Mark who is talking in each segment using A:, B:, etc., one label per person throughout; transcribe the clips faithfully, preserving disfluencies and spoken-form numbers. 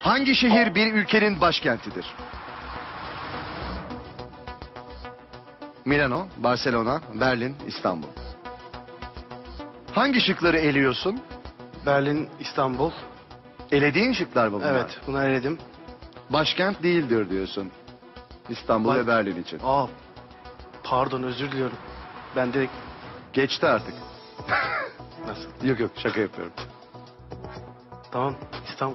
A: Hangi şehir bir ülkenin başkentidir? Milano, Barcelona, Berlin, İstanbul. Hangi şıkları eliyorsun?
B: Berlin, İstanbul.
A: Elediğin şıklar mı bunlar?
B: Evet, bunu eledim.
A: Başkent değildir diyorsun. İstanbul
B: Ba-
A: ve Berlin için.
B: Aa, pardon, özür diliyorum. Ben direkt
A: Geçti artık.
B: nasıl?
A: Yok yok, şaka yapıyorum.
B: Tamam, İstanbul.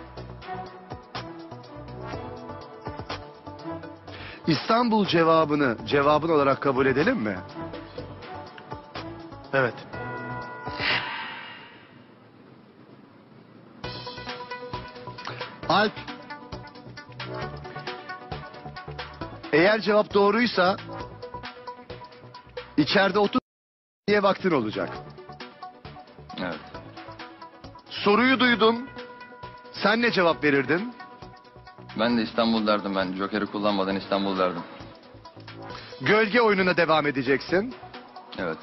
A: İstanbul cevabını cevabın olarak kabul edelim mi?
B: Evet.
A: Alp. Eğer cevap doğruysa içeride otuz diye vaktin olacak.
C: Evet.
A: Soruyu duydum. Sen ne cevap verirdin?
C: Ben de İstanbul derdim ben. Joker'i kullanmadan İstanbul derdim.
A: Gölge oyununa devam edeceksin.
C: Evet.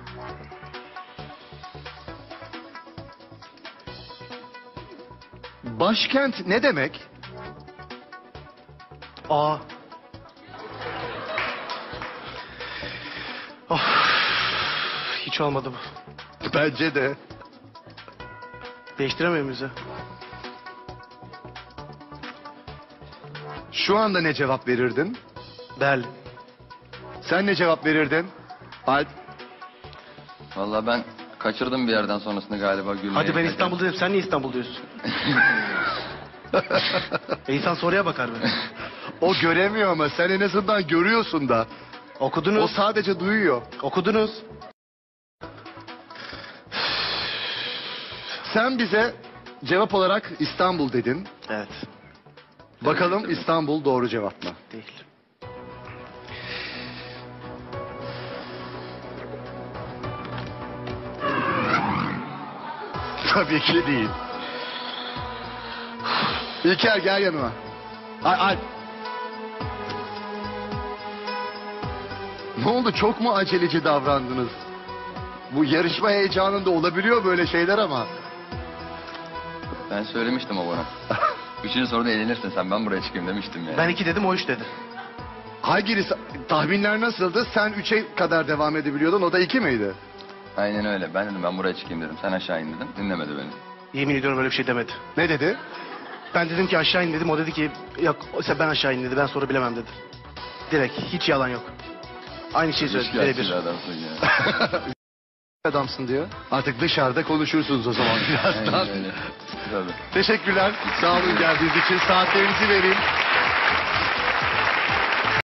A: Başkent ne demek?
B: Aa. Of. Hiç olmadı bu.
A: Bence de.
B: Değiştiremiyor muyuz ya?
A: Şu anda ne cevap verirdin?
B: Berlin.
A: Sen ne cevap verirdin? Alp.
C: Vallahi ben kaçırdım bir yerden sonrasını galiba gülmeyi.
B: Hadi ben İstanbul dedim. Sen niye İstanbul diyorsun? e insan soruya bakar be.
A: O göremiyor ama sen en azından görüyorsun da. O
B: Okudunuz.
A: sadece duyuyor.
B: Okudunuz.
A: Sen bize cevap olarak İstanbul dedin.
B: Evet.
A: Bakalım
C: Evet.
A: İstanbul doğru cevap mı?
B: Değil.
A: Tabii ki değil. İlker gel yanıma. Ay, Alp. Ne oldu, çok mu aceleci davrandınız? Bu yarışma heyecanında olabiliyor böyle şeyler ama.
C: Ben söylemiştim o bana. Üçüncü soruda eğlenirsin sen, ben buraya çıkayım demiştim yani.
B: Ben iki dedim, o üç dedi.
A: Hangisi, tahminler nasıldı? Sen üçe kadar devam edebiliyordun, o da iki miydi?
C: Aynen öyle. Ben dedim ben buraya çıkayım dedim. Sen aşağı in dedim. Dinlemedi beni.
B: Yemin ediyorum öyle bir şey demedi.
A: Ne dedi?
B: Ben dedim ki aşağı in dedim. O dedi ki yok sen ben aşağı in dedi. Ben soru bilemem dedi. Direkt hiç yalan yok. Aynı şeyi söyledi.
C: Şikayetçi
B: Birebir.
C: adamsın ya.
A: Adamsın diyor. Artık dışarıda konuşursunuz o zaman birazdan.
C: Aynen öyle. Tabii.
A: Teşekkürler. Sağ olun geldiğiniz için. Saatlerinizi vereyim.